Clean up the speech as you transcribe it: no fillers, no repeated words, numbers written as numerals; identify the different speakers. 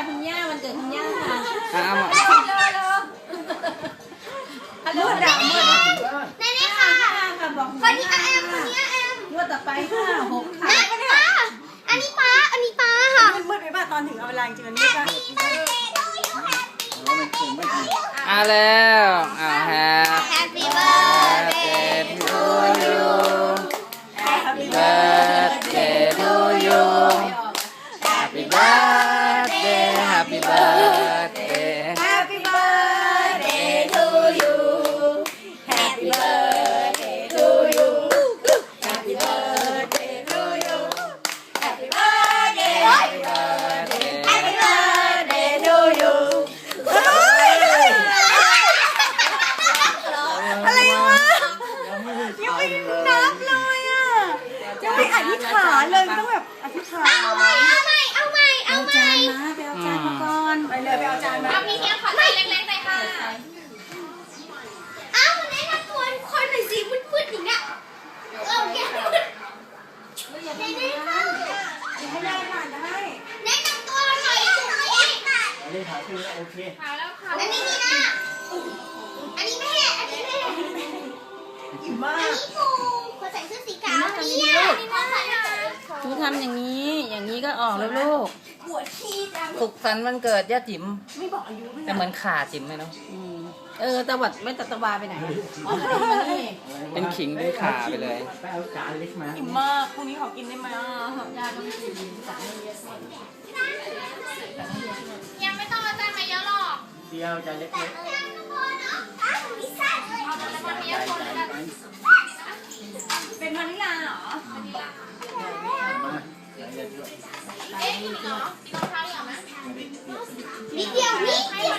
Speaker 1: คุณย่าวันเกิดคุณย่าค่ะ
Speaker 2: เอามา
Speaker 1: ฮัลโหลดังเมื่อ
Speaker 3: นี่ค่ะ
Speaker 1: ค่ะบอก
Speaker 3: คนนี้แอมคนนี้แอม
Speaker 1: งวดต่อไปค่ะ6ค่ะ
Speaker 3: อันนี้ป้าค่ะ
Speaker 4: มืดไปป่ะตอนถึงเอาเวลาจริงๆอันนี้ก็
Speaker 2: เอาแล้วแฮป
Speaker 3: Happy birthday
Speaker 2: to you Happy birthday to you Happy birthday Happy birthday
Speaker 1: Happy birthday to you Happy birthday to you Happy birthday to you Happy birthday Happy birthday Happy birthday to you
Speaker 4: อะไรวะยังไม่นับเลยอ่ะยังไม่อธิษฐานเลยต้องแบบอธิษฐาน
Speaker 3: เอาใหม่
Speaker 1: เอาจานมาไปเอาจานมาก่อน
Speaker 4: ไปเลยไปเอาจานมา
Speaker 3: เอาพี่เทียมขอใส่เล็กๆหน่อยค่ะเอาแนะนำตัวคนหน่อยสิพูดอย่างเงี้ยแกได้ค่ะ
Speaker 4: ให้ได้ผ่านได้
Speaker 3: แนะนำตัวหน่อยอันนี้ถ่ายคือโอเคถ่ายแล้วค่ะอันนี้นี่นะอันนี้แม่
Speaker 4: อิ่มมา
Speaker 3: อัน
Speaker 4: ก
Speaker 3: นี้ปูคนใส่เสื้อสีขาวเนี่ยนี่พ่อใส่
Speaker 1: หนูทำอย่างนี้ก็ออกแล้วลูก
Speaker 3: ปวดขี้จัง
Speaker 2: สุขสันต์วันเกิดย่าจิ๋ม
Speaker 4: ไม่บอกอายุไม่
Speaker 2: แต่เหมือนขาจิ๋มเลยเนาะ
Speaker 1: ตะวัดไม่ตะวาไปไหนอ๋อมานี่
Speaker 2: เป็นขิงเป็นขาไปเลย
Speaker 4: อิ่มมากพรุ่งนี้ขอกินได้ไหม
Speaker 3: ยังไม่ต้องเอาจานมาเยอะหรอก
Speaker 5: เดียวจะเล็ก
Speaker 3: ทุกคนเนาะมีไส้เลยเอาจานมาเยอะคนแล้วกัน
Speaker 4: เป็นวานิลาเหรอ
Speaker 5: ๆมาเยอะ
Speaker 3: เอ๊ะกินเหรอกินรองเท้าเหรอไหมนิดเดียวนิดเดียว